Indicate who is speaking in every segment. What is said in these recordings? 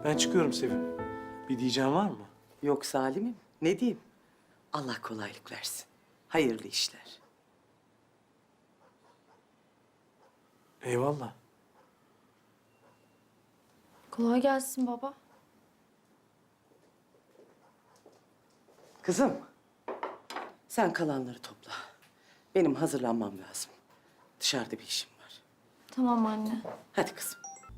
Speaker 1: Ben çıkıyorum Sevim. Bir diyeceğin var mı?
Speaker 2: Yok Salim'im. Ne diyeyim? Allah kolaylık versin. Hayırlı işler.
Speaker 1: Eyvallah.
Speaker 3: Kolay gelsin baba.
Speaker 2: Kızım, sen kalanları topla. Benim hazırlanmam lazım. Dışarıda bir işim var.
Speaker 3: Tamam anne.
Speaker 2: Hadi kızım.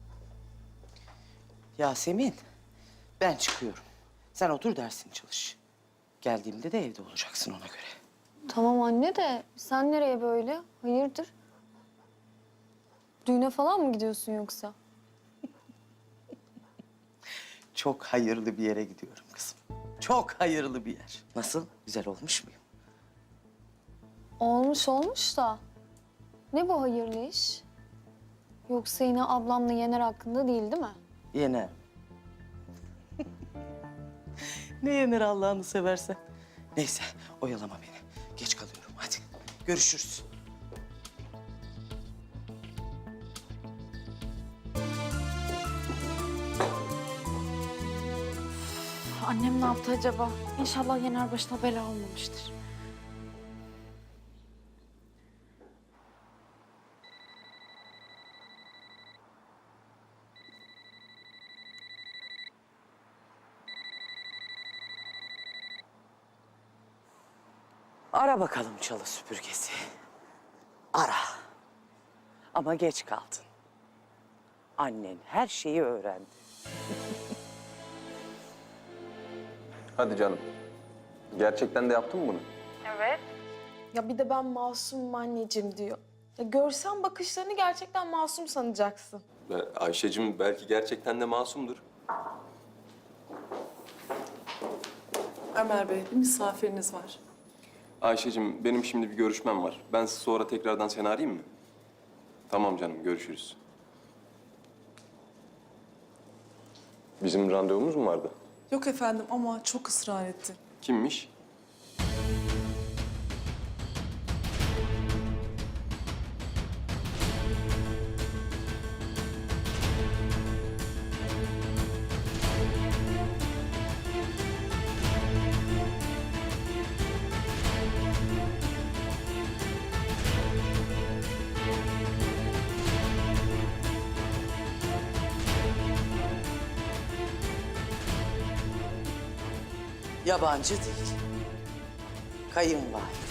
Speaker 2: Yasemin, ben çıkıyorum. Sen otur dersini çalış. Geldiğimde de evde olacaksın ona göre.
Speaker 3: Tamam anne de sen nereye böyle? Hayırdır? Düğüne falan mı gidiyorsun yoksa?
Speaker 2: Çok hayırlı bir yere gidiyorum kızım. Çok hayırlı bir yer. Nasıl? Güzel olmuş muyum?
Speaker 3: Olmuş da. Ne bu hayırlı iş? Yoksa yine ablamla Yener hakkında değil mi?
Speaker 2: Yener. Ne yener Allah'ını seversen. Neyse, oyalama beni. Geç kalıyorum. Hadi, görüşürüz.
Speaker 3: Annem ne yaptı acaba? İnşallah Yener başına bela olmamıştır.
Speaker 2: Ara bakalım çalı süpürgesi. Ara. Ama geç kaldın. Annen her şeyi öğrendi.
Speaker 4: Hadi canım. Gerçekten de yaptın mı bunu?
Speaker 5: Ya bir de ben masumum anneciğim diyor. Ya görsen bakışlarını gerçekten masum sanacaksın.
Speaker 4: Ayşe'cim belki gerçekten de masumdur.
Speaker 6: Ömer Bey, bir misafiriniz var.
Speaker 4: Ayşe'cim benim şimdi bir görüşmem var. Ben sonra tekrardan seni arayayım mı? Tamam canım, görüşürüz. Bizim randevumuz mu vardı?
Speaker 6: Yok efendim ama çok ısrar etti.
Speaker 4: Kimmiş?
Speaker 2: Yabancı değil. Kayınvalide.